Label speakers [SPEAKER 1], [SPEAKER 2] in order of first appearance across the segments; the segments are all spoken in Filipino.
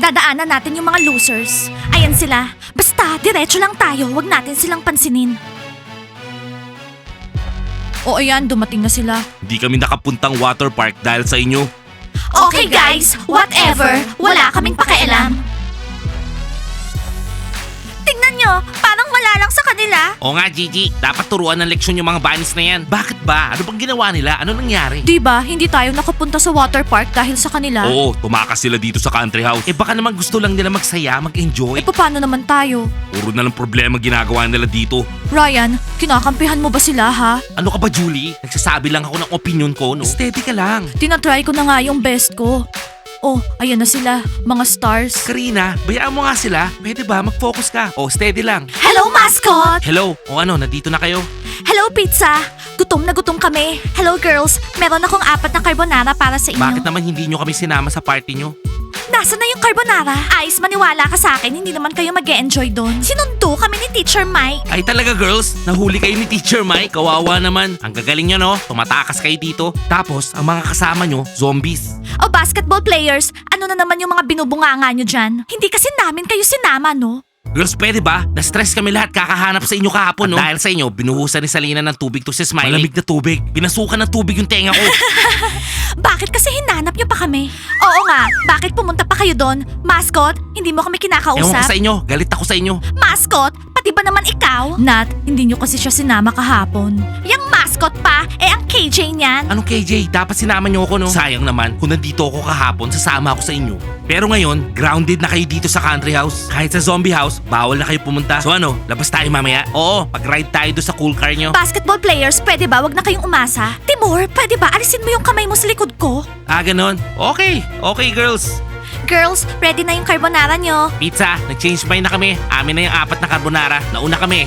[SPEAKER 1] Dadaanan natin yung mga losers. Ayan sila. Basta, diretso lang tayo. Huwag natin silang pansinin. O ayan, dumating na sila.
[SPEAKER 2] Hindi kami nakapuntang water park dahil sa inyo.
[SPEAKER 1] Okay guys, whatever. Wala kaming pakialam. Tingnan nyo, parang wala lang sa kanila.
[SPEAKER 2] Oo nga, Gigi. Dapat turuan ng leksyon yung mga bunnies na yan. Bakit ba? Ano bang ginawa nila? Ano nangyari?
[SPEAKER 1] Diba, hindi tayo nakapunta sa water park dahil sa kanila?
[SPEAKER 2] Oo, tumakas sila dito sa country house. Baka naman gusto lang nila magsaya, mag-enjoy.
[SPEAKER 1] Paano naman tayo?
[SPEAKER 2] Puro na lang problema ginagawa nila dito.
[SPEAKER 1] Ryan, kinakampihan mo ba sila ha?
[SPEAKER 2] Ano ka ba, Julie? Nagsasabi lang ako ng opinion ko, no? Steady ka lang.
[SPEAKER 1] Tinatry ko na nga yung best ko. Oh, ayan na sila, mga stars.
[SPEAKER 2] Karina, bayaan mo nga sila. Pwede ba? Mag-focus ka. O, steady lang.
[SPEAKER 1] Hello, mascot!
[SPEAKER 2] Hello. O ano, nandito na kayo?
[SPEAKER 1] Hello, pizza! Gutom na gutom kami. Hello, girls. Meron akong 4 na carbonara para sa inyo.
[SPEAKER 2] Bakit naman hindi nyo kami sinama sa party nyo?
[SPEAKER 1] Nasaan na yung carbonara? Ice, maniwala ka sa akin, hindi naman kayo mag-e-enjoy doon. Sinundo kami ni Teacher Mike.
[SPEAKER 2] Ay talaga, girls. Nahuli kayo ni Teacher Mike. Kawawa naman. Ang gagaling nyo, no? Tumatakas kayo dito. Tapos, ang mga kasama nyo, zombies.
[SPEAKER 1] O basketball players, ano na naman yung mga binubunganga nyo dyan? Hindi kasi namin kayo sinama, no?
[SPEAKER 2] Girls, pwede ba? Na-stress kami lahat kakahanap sa inyo kahapon, no? At dahil sa inyo, binuhusan ni Salina ng tubig to si Smiley. Malamig na tubig. Binasukan ng tubig yung tenga ko.
[SPEAKER 1] Bakit kasi hinanap nyo pa kami? Oo nga, bakit pumunta pa kayo doon? Mascot, hindi mo kami
[SPEAKER 2] Ewan ko
[SPEAKER 1] kinakausap?
[SPEAKER 2] sa inyo. Galit ako sa inyo.
[SPEAKER 1] Mascot, pati ba naman ikaw? Nat, hindi nyo kasi siya sinama kahapon. Yang mascot pa, ang KJ niyan.
[SPEAKER 2] Anong KJ? Dapat sinama nyo ako, no? Sayang naman. Kung nandito ako kahapon, sasama ako sa inyo. Pero ngayon, grounded na kayo dito sa country house. Kahit sa zombie house, bawal na kayo pumunta. So ano, labas tayo mamaya? Oo, mag-ride tayo doon sa cool car nyo.
[SPEAKER 1] Basketball players, pwede ba? Wag na kayong umasa. Timur, pwede ba? Alisin mo yung kamay mo sa likod ko.
[SPEAKER 2] Ganon. Okay. Okay, girls.
[SPEAKER 1] Girls, ready na yung carbonara nyo.
[SPEAKER 2] Pizza, nag-change mind na kami. Amin na yung 4 na carbonara. Nauna kami.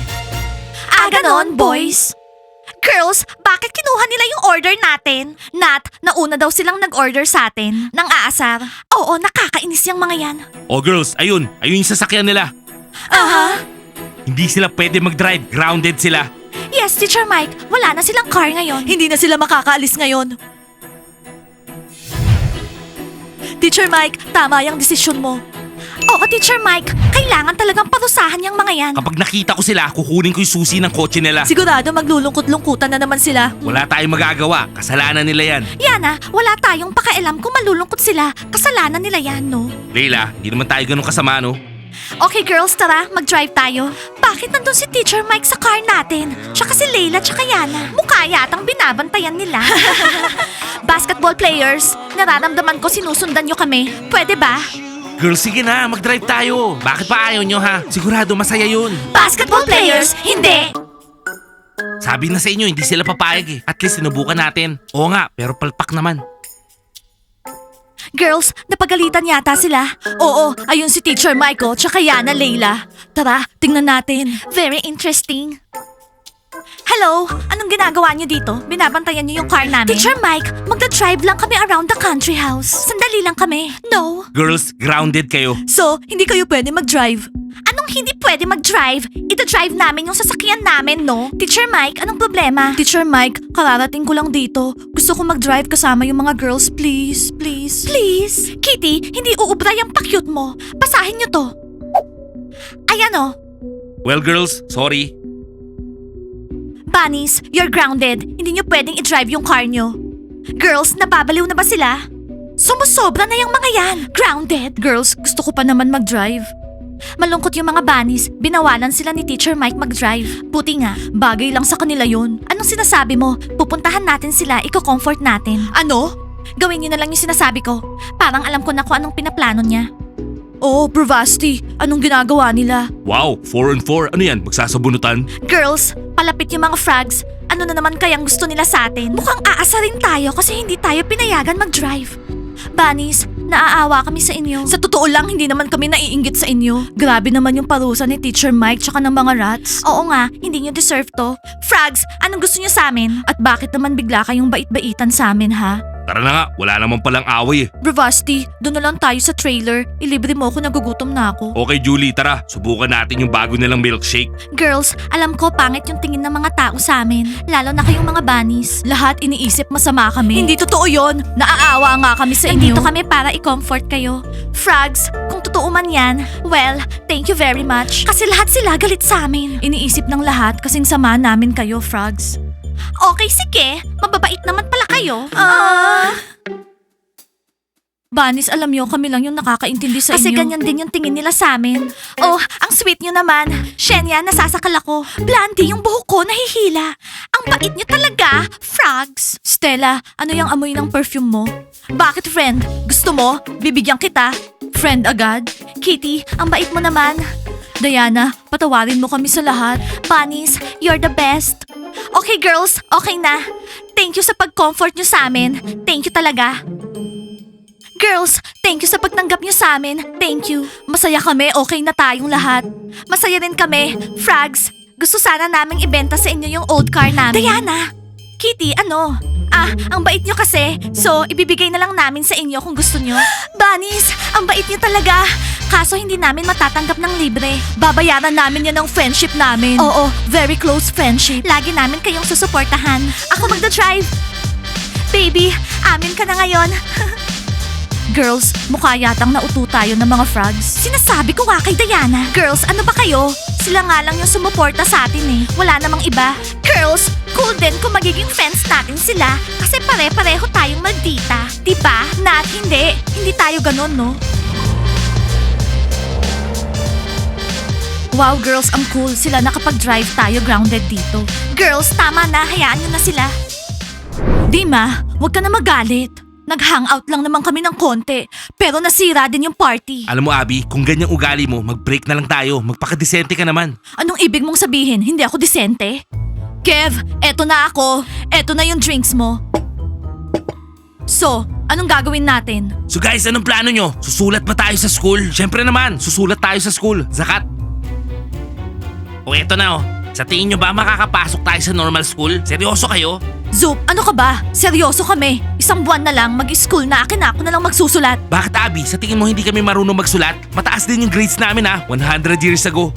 [SPEAKER 1] Ganon, boys. Girls, bakit kinuha nila yung order natin? Nat, nauna daw silang nag-order sa atin. Nang aasar. Oo, nakakainis yung mga yan.
[SPEAKER 2] Oh, girls, ayun. Ayun yung sasakyan nila.
[SPEAKER 1] Aha.
[SPEAKER 2] Hindi sila pwede mag-drive. Grounded sila.
[SPEAKER 1] Yes, Teacher Mike. Wala na silang car ngayon. Hindi na sila makakaalis ngayon. Teacher Mike, tama yung desisyon mo. Oo, Teacher Mike. Kailangan talagang parusahan yung mga yan.
[SPEAKER 2] Kapag nakita ko sila, kukunin ko yung susi ng kotse nila.
[SPEAKER 1] Sigurado maglulungkot-lungkutan na naman sila.
[SPEAKER 2] Wala tayong magagawa. Kasalanan nila yan.
[SPEAKER 1] Yana, wala tayong pakialam kung malulungkot sila. Kasalanan nila yan, no?
[SPEAKER 2] Leila, hindi naman tayo ganun kasama, no?
[SPEAKER 1] Okay girls, tara, mag-drive tayo. Bakit nandun si Teacher Mike sa car natin? Tsaka si Layla tsaka Yana. Mukha yatang binabantayan nila. Basketball players, nararamdaman ko sinusundan nyo kami. Pwede ba?
[SPEAKER 2] Girls, sige na. Mag-drive tayo. Bakit pa ayaw nyo, ha? Sigurado masaya yun.
[SPEAKER 1] Basketball players, hindi!
[SPEAKER 2] Sabi na sa inyo, hindi sila papayag eh. At least sinubukan natin. Oo nga, pero palpak naman.
[SPEAKER 1] Girls, napagalitan yata sila. Oo, ayun si Teacher Mike tsaka Yana Layla. Tara, tingnan natin. Very interesting. Hello, anong ginagawa niyo dito? Binabantayan niyo yung car namin? Teacher Mike, magda-drive lang kami around the country house. Sandali lang kami. No.
[SPEAKER 2] Girls, grounded kayo.
[SPEAKER 1] So, hindi kayo pwede mag-drive? Anong hindi pwede mag-drive? Ita-drive namin yung sasakyan namin, no? Teacher Mike, anong problema? Teacher Mike, kararating ko lang dito. Gusto ko mag-drive kasama yung mga girls, please, please. Please? Kitty, hindi uubra yung pakyut mo. Basahin niyo to. Ayan o.
[SPEAKER 2] Well, girls, sorry.
[SPEAKER 1] Bunnies, you're grounded. Hindi niyo pwedeng i-drive yung car niyo. Girls, nababaliw na ba sila? Sumusobra na yung mga yan. Grounded. Girls, gusto ko pa naman mag-drive. Malungkot yung mga bunnies. Binawalan sila ni Teacher Mike mag-drive. Buti nga, bagay lang sa kanila yun. Anong sinasabi mo? Pupuntahan natin sila, iko-comfort natin. Ano? Gawin niyo na lang yung sinasabi ko. Parang alam ko na kung anong pinaplano niya. Oh, Bravasti, anong ginagawa nila?
[SPEAKER 2] Wow, 4 on 4. Ano yan? Magsasabunutan?
[SPEAKER 1] Girls, palapit yung mga frogs. Ano na naman kayang gusto nila sa atin? Mukhang aasarin tayo kasi hindi tayo pinayagan mag-drive. Bunnies, naaawa kami sa inyo. Sa totoo lang, hindi naman kami naiinggit sa inyo. Grabe naman yung parusa ni Teacher Mike tsaka ng mga rats. Oo nga, hindi nyo deserve to. Frogs, anong gusto nyo sa amin? At bakit naman bigla kayong bait-baitan sa amin, ha?
[SPEAKER 2] Tara na nga, wala naman palang away eh.
[SPEAKER 1] Bravasti, doon na lang tayo sa trailer. Ilibre mo ako, nagugutom na ako.
[SPEAKER 2] Okay, Julie, tara. Subukan natin yung bago nilang milkshake.
[SPEAKER 1] Girls, alam ko pangit yung tingin ng mga tao sa amin. Lalo na kayong mga bunnies. Lahat iniisip masama kami. Hindi totoo yon. Naaawa nga kami sa inyo. Nandito kami para i-comfort kayo. Frogs, kung totoo man yan, well, thank you very much. Kasi lahat sila galit sa amin. Iniisip ng lahat kasing sama namin kayo, Frogs. Okay, sige. Mababait naman pala kayo. Banis, alam nyo, kami lang yung nakakaintindi sa inyo. Kasi ganyan din yung tingin nila sa amin. Oh, ang sweet nyo naman. Shenya, nasasakal ako. Blandy, yung buhok ko nahihila. Ang bait nyo talaga, Frogs. Stella, ano yung amoy ng perfume mo? Bakit, friend? Gusto mo? Bibigyan kita. Friend agad? Kitty, ang bait mo naman. Diana, patawarin mo kami sa lahat. Bunnies, you're the best. Okay, girls, okay na. Thank you sa pag-comfort nyo sa amin. Thank you talaga. Girls, thank you sa pagtanggap niyo sa amin. Thank you. Masaya kami, okay na tayong lahat. Masaya rin kami. Frogs, gusto sana naming ibenta sa inyo yung old car namin. Diana! Kitty, ano? Ang bait niyo kasi. So, ibibigay na lang namin sa inyo kung gusto niyo. Bunnies, ang bait niyo talaga. Kaso hindi namin matatanggap ng libre. Babayaran namin yan ng friendship namin. Oo, very close friendship. Lagi namin kayong susuportahan. Ako magda-drive. Baby, amin ka na ngayon. Girls, mukha yatang nauto tayo ng mga frogs. Sinasabi ko nga kay Diana. Girls, ano ba kayo? Sila nga lang yung sumuporta sa atin eh. Wala namang iba. Girls, cool din kung magiging friends natin sila. Kasi pare-pareho tayong maldita. Diba? Nat, hindi. Hindi tayo ganun, no? Wow, girls, ang cool. Sila nakapag-drive tayo grounded dito. Girls, tama na. Hayaan nyo na sila. Dima, huwag ka na magalit. Nag-hangout lang naman kami ng konti, pero nasira din yung party.
[SPEAKER 2] Alam mo, Abby, kung ganyang ugali mo, mag-break na lang tayo. Magpakadesente ka naman.
[SPEAKER 1] Anong ibig mong sabihin? Hindi ako disente? Kev, eto na ako. Eto na yung drinks mo. So, anong gagawin natin?
[SPEAKER 2] So guys, anong plano nyo? Susulat ba tayo sa school? Siyempre naman, susulat tayo sa school. Zakat. O eto na Sa tingin nyo ba makakapasok tayo sa normal school? Seryoso kayo?
[SPEAKER 1] Zoop, ano ka ba? Seryoso kami. Isang buwan na lang, mag-school na akin na ako na lang magsusulat.
[SPEAKER 2] Bakit, Abby? Sa tingin mo hindi kami marunong magsulat? Mataas din yung grades namin 100 years ago.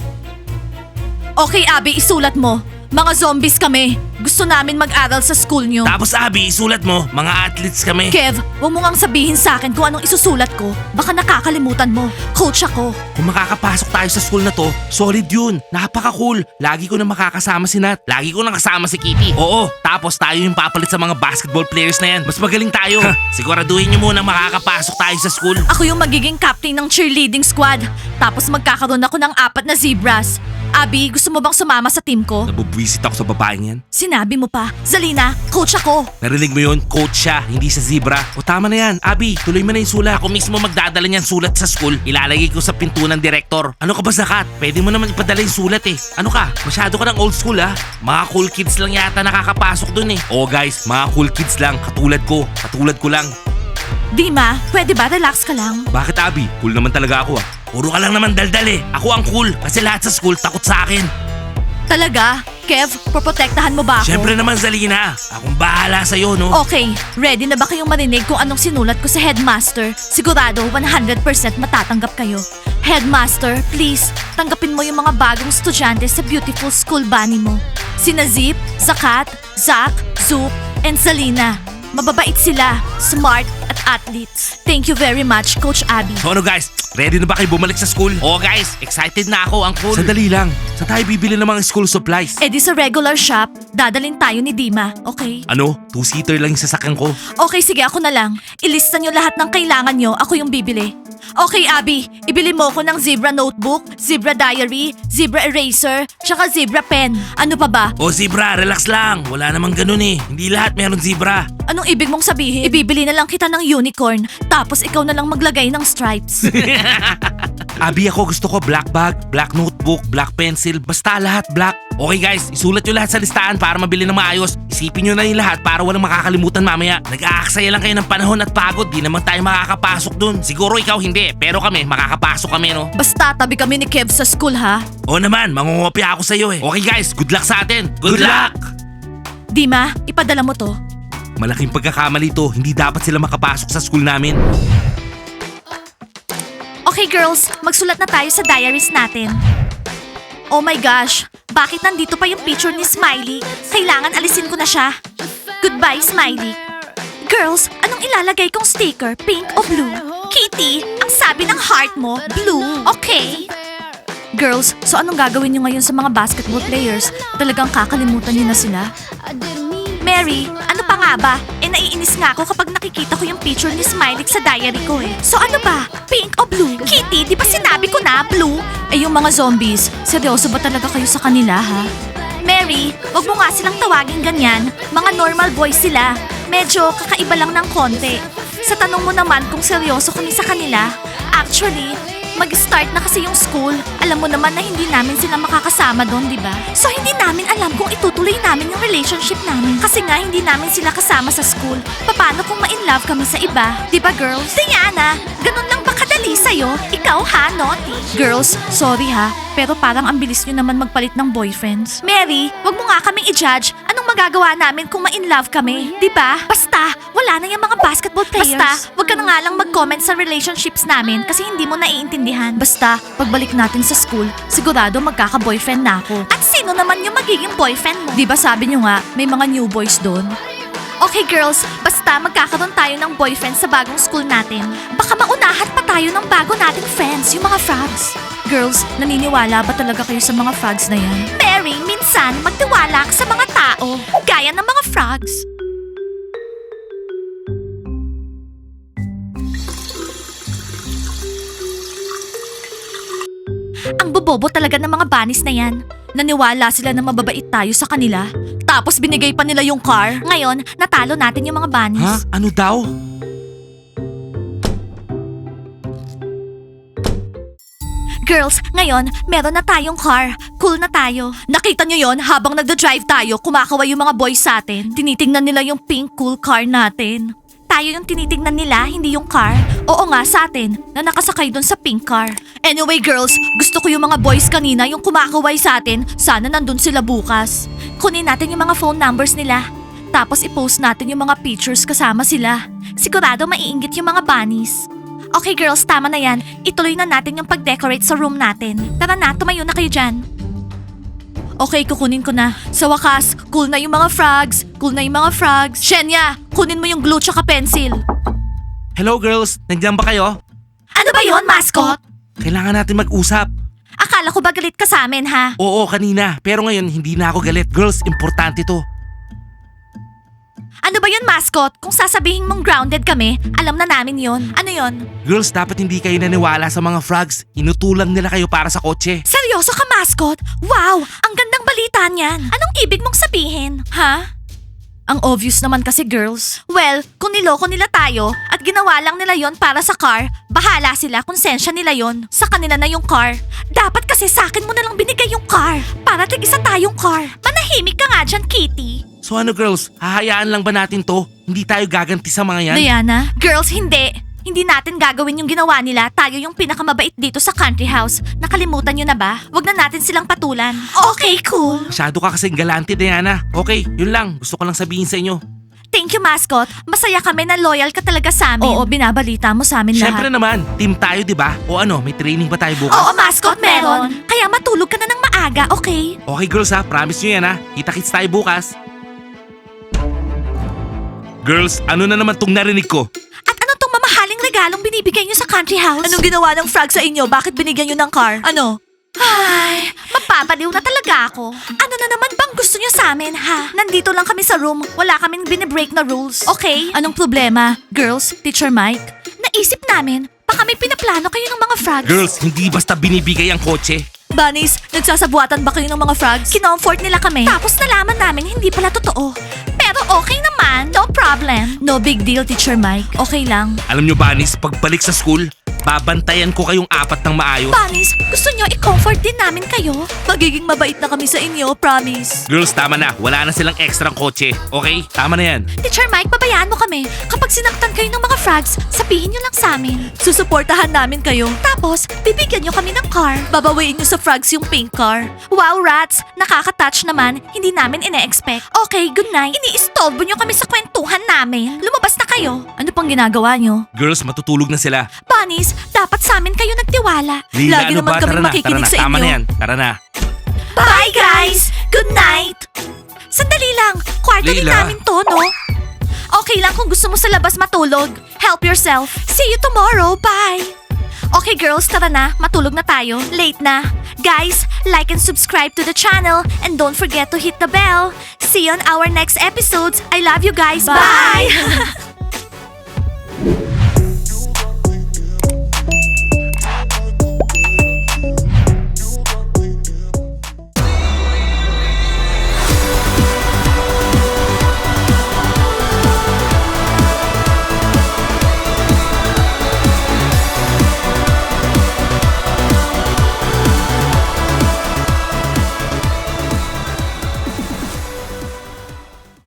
[SPEAKER 1] Okay, Abby, isulat mo. Mga zombies kami. Gusto namin mag-aral sa school nyo.
[SPEAKER 2] Tapos, Abby, isulat mo, mga athletes kami.
[SPEAKER 1] Kev, huwag mo ngang sabihin sa akin kung anong isusulat ko. Baka nakakalimutan mo. Coach ako.
[SPEAKER 2] Kung makakapasok tayo sa school na to, solid yun. Napaka-cool. Lagi ko na makakasama si Nat. Lagi ko na kasama si Kitty. Oo, tapos tayo yung papalit sa mga basketball players na yan. Mas magaling tayo. Siguraduhin nyo muna makakapasok tayo sa school.
[SPEAKER 1] Ako yung magiging captain ng cheerleading squad. Tapos magkakaroon ako ng 4 na zebras. Abby, gusto mo bang sumama sa team ko?
[SPEAKER 2] Nabubwisit ako sa babaeng yan.
[SPEAKER 1] Sinabi mo pa. Zalina, coach ako.
[SPEAKER 2] Narinig mo yun? Coach siya, hindi sa zebra. O tama na yan. Abby, tuloy mo na yung sulat. Ako mismo magdadala niyan sulat sa school. Ilalagay ko sa pinto ng director. Ano ka ba, Zakat? Pwede mo naman ipadala yung sulat eh. Ano ka? Masyado ka ng old school Mga cool kids lang yata nakakapasok dun eh. Oo guys, mga cool kids lang. Katulad ko. Katulad ko lang.
[SPEAKER 1] Dima, pwede ba relax ka lang?
[SPEAKER 2] Bakit, Abby? Cool naman talaga ako Puro ka lang naman daldal eh. Ako ang cool kasi lahat sa school takot sa akin.
[SPEAKER 1] Talaga? Kev, poprotektahan mo ba ako?
[SPEAKER 2] Siyempre naman, Zalina. Akong bahala sa'yo, no?
[SPEAKER 1] Okay, ready na ba kayong marinig kung anong sinulat ko sa headmaster? Sigurado 100% matatanggap kayo. Headmaster, please, tanggapin mo yung mga bagong estudyante sa beautiful school bunny mo. Sina Zip, Zakat, Zach, Zoop, and Zalina. Mababait sila, smart, at athletes. Thank you very much, Coach Abby.
[SPEAKER 2] So ano guys, ready na ba kayo bumalik sa school? Oo guys, excited na ako, ang cool. Sandali lang, saan tayo bibili ng mga school supplies?
[SPEAKER 1] Eh di sa regular shop, dadalhin tayo ni Dima, okay?
[SPEAKER 2] Ano? 2-seater lang yung sasakyan ko.
[SPEAKER 1] Okay, sige, ako na lang. Ilista nyo lahat ng kailangan nyo, ako yung bibili. Okay, Abby, ibili mo ko ng zebra notebook, zebra diary, zebra eraser, tsaka zebra pen. Ano pa ba?
[SPEAKER 2] O zebra, relax lang. Wala namang ganun eh. Hindi lahat meron zebra.
[SPEAKER 1] Anong ibig mong sabihin? Ibibili na lang kita ng unicorn, tapos ikaw na lang maglagay ng stripes.
[SPEAKER 2] Abby, ako gusto ko black bag, black notebook, black pencil, basta lahat black. Okay guys, isulat nyo lahat sa listahan para mabili ng maayos. Isipin nyo na yung lahat para walang makakalimutan mamaya. Nag-aaksaya lang kayo ng panahon at pagod, di naman tayo makakapasok dun. Siguro ikaw hindi, pero kami, makakapasok kami no.
[SPEAKER 1] Basta tabi kami ni Kev sa school ha.
[SPEAKER 2] Oo naman, mangungopia ako sa'yo eh. Okay guys, good luck sa atin. Good luck!
[SPEAKER 1] Dima, ipadala mo to.
[SPEAKER 2] Malaking pagkakamali to, hindi dapat sila makapasok sa school namin.
[SPEAKER 1] Okay girls, magsulat na tayo sa diaries natin. Oh my gosh, bakit nandito pa yung picture ni Smiley? Kailangan alisin ko na siya. Goodbye, Smiley. Girls, anong ilalagay kong sticker? Pink o blue? Kitty, ang Ang sabi ng heart mo, blue. Okay. Girls, so anong gagawin nyo ngayon sa mga basketball players? Talagang kakalimutan nyo na sila? Mary, ano pa nga ba? Naiinis nga ako kapag nakikita ko yung picture ni Smiley sa diary ko eh. So ano ba? Pink o blue? Kitty, di ba sinabi ko na blue? Eh yung mga zombies, seryoso ba talaga kayo sa kanila ha? Mary, wag mo nga silang tawagin ganyan. Mga normal boys sila. Medyo kakaiba lang ng konti. Sa tanong mo naman kung seryoso kami sa kanila, actually, mag-start na kasi yung school. Alam mo naman na hindi namin sila makakasama doon, di ba? So hindi namin alam kung itutuloy namin yung relationship namin. Kasi nga hindi namin sila kasama sa school. Paano kung ma-inlove kami sa iba? Di ba girls? Diana, ganun lang ba kadali sa'yo? Ikaw ha, naughty? Girls, sorry ha. Pero parang ang bilis nyo naman magpalit ng boyfriends. Mary, wag mo nga kaming i-judge. Anong magagawa namin kung ma-inlove kami? Di ba? Basta, wala na yung mga basketball players. Basta, wag ka na nga lang mag-comment sa relationships namin kasi hindi mo naiintindihan. Basta, pagbalik natin sa school, sigurado magkaka-boyfriend na ako. At sino naman yung magiging boyfriend mo? Di ba sabi nyo nga, may mga new boys doon? Okay girls, basta magkakaroon tayo ng boyfriend sa bagong school natin. Baka maunahan pa tayo ng bago nating friends, yung mga frogs. Girls, naniniwala ba talaga kayo sa mga frogs na yan? Mary, minsan magtiwala ka sa mga tao, gaya ng mga frogs. Ang bobobo talaga ng mga bunnies na yan. Naniwala sila na mababait tayo sa kanila. Tapos binigay pa nila yung car. Ngayon, natalo natin yung mga bunnies.
[SPEAKER 2] Ha? Ano daw?
[SPEAKER 1] Girls, ngayon, meron na tayong car. Cool na tayo. Nakita nyo yon habang nagda-drive tayo, kumakaway yung mga boys sa atin. Tinitingnan nila yung pink cool car natin. Tayo yung tinitingnan nila, hindi yung car. Oo nga, sa atin, na nakasakay dun sa pink car. Anyway girls, gusto ko yung mga boys kanina, yung kumakaway sa atin, sana nandun sila bukas. Kunin natin yung mga phone numbers nila. Tapos i-post natin yung mga pictures kasama sila. Sigurado maiinggit yung mga bunnies. Okay girls, tama na yan. Ituloy na natin yung pag-decorate sa room natin. Tara na, tumayo na kayo dyan. Okay, kukunin ko na. Sa wakas, cool na yung mga frogs. Cool na yung mga frogs. Shenya, kunin mo yung glue tsaka pencil.
[SPEAKER 2] Hello girls, nandiyan ba kayo?
[SPEAKER 1] Ano ba yon, mascot?
[SPEAKER 2] Kailangan natin mag-usap.
[SPEAKER 1] Akala ko ba galit ka sa amin, ha?
[SPEAKER 2] Oo, kanina. Pero ngayon, hindi na ako galit. Girls, importante to.
[SPEAKER 1] Ano ba yun, mascot? Kung sasabihin mong grounded kami, alam na namin yon. Ano yon?
[SPEAKER 2] Girls, dapat hindi kayo naniwala sa mga frogs. Inutulang nila kayo para sa kotse.
[SPEAKER 1] Seryoso ka, mascot? Wow! Ang gandang balita niyan. Anong ibig mong sabihin? Ha? Ang obvious naman kasi, girls. Well, kung niloko nila tayo at ginawa lang nila yon para sa car, bahala sila, konsensya nila yon. Sa kanila na yung car. Dapat kasi sa akin mo na lang binigay yung car para tig-isa tayong car. Manahimik ka nga dyan, Kitty.
[SPEAKER 2] So ano girls, hahayaan lang ba natin to? Hindi tayo gaganti sa mga yan?
[SPEAKER 1] Diana? Girls, hindi. Hindi natin gagawin yung ginawa nila. Tayo yung pinakamabait dito sa country house. Nakalimutan nyo na ba? Wag na natin silang patulan. Okay, cool.
[SPEAKER 2] Masyado ka kasing galante, Diana. Okay, yun lang. Gusto ko lang sabihin sa inyo.
[SPEAKER 1] Thank you, mascot. Masaya kami na loyal ka talaga sa amin. Oo, binabalita mo sa amin
[SPEAKER 2] Siyempre
[SPEAKER 1] lahat.
[SPEAKER 2] naman, team tayo, di ba? O ano, may training ba tayo bukas?
[SPEAKER 1] Oo, mascot, meron. Kaya matulog ka na ng maaga, okay?
[SPEAKER 2] Okay girls ha, promise nyo yan ha. Kita-kits tayo bukas. Girls, ano na naman tong narinig ko?
[SPEAKER 1] At ano tong mamahaling regalong binibigay nyo sa country house? Anong ginawa ng frog sa inyo? Bakit binigyan nyo ng car? Ano? Ay, mapapaliw na talaga ako. Ano na naman bang gusto nyo sa amin, ha? Nandito lang kami sa room. Wala kaming binibreak na rules. Okay? Anong problema? Girls, Teacher Mike? Naisip namin, baka may pinaplano kayo ng mga frogs.
[SPEAKER 2] Girls, hindi basta binibigay ang kotse.
[SPEAKER 1] Bunnies, nagsasabuatan ba kayo ng mga frogs? Kinomfort nila kami. Tapos nalaman namin hindi pala totoo. Pero okay naman, no problem. No big deal, Teacher Mike. Okay lang.
[SPEAKER 2] Alam nyo, Bunnies, pagbalik sa school, babantayan ko kayong apat ng maayos.
[SPEAKER 1] Bunnies, gusto nyo i-comfort din namin kayo? Magiging mabait na kami sa inyo, promise.
[SPEAKER 2] Girls, tama na. Wala na silang extra kotse. Okay? Tama na yan.
[SPEAKER 1] Teacher Mike, babayaan mo kami. Kapag sinaktan kayo ng mga frogs, sabihin nyo lang sa amin. Susuportahan namin kayo. Tapos, bibigyan nyo kami ng car. Babawiin nyo sa frogs yung pink car. Wow, rats! Nakaka-touch naman. Hindi namin ine-expect. Okay, good night. Ini-istolbo nyo kami sa kwentuhan namin. Lumabas na kayo. Ano pang ginagawa nyo?
[SPEAKER 2] Girls, matutulog na sila.
[SPEAKER 1] Bunnies, dapat sa amin kayo nagtiwala.
[SPEAKER 2] Leila,
[SPEAKER 1] Lagi
[SPEAKER 2] ano
[SPEAKER 1] naman
[SPEAKER 2] ba?
[SPEAKER 1] kami
[SPEAKER 2] Tara na,
[SPEAKER 1] makikinig sa
[SPEAKER 2] Tama
[SPEAKER 1] inyo.
[SPEAKER 2] na yan. Tara na.
[SPEAKER 1] Bye, guys! Good night! Sandali lang. Kwarto din
[SPEAKER 2] Leila.
[SPEAKER 1] namin to, no? Okay lang kung gusto mo sa labas matulog. Help yourself. See you tomorrow. Bye! Okay girls, tara na. Matulog na tayo. Late na. Guys, like and subscribe to the channel and don't forget to hit the bell. See you on our next episodes. I love you guys. Bye!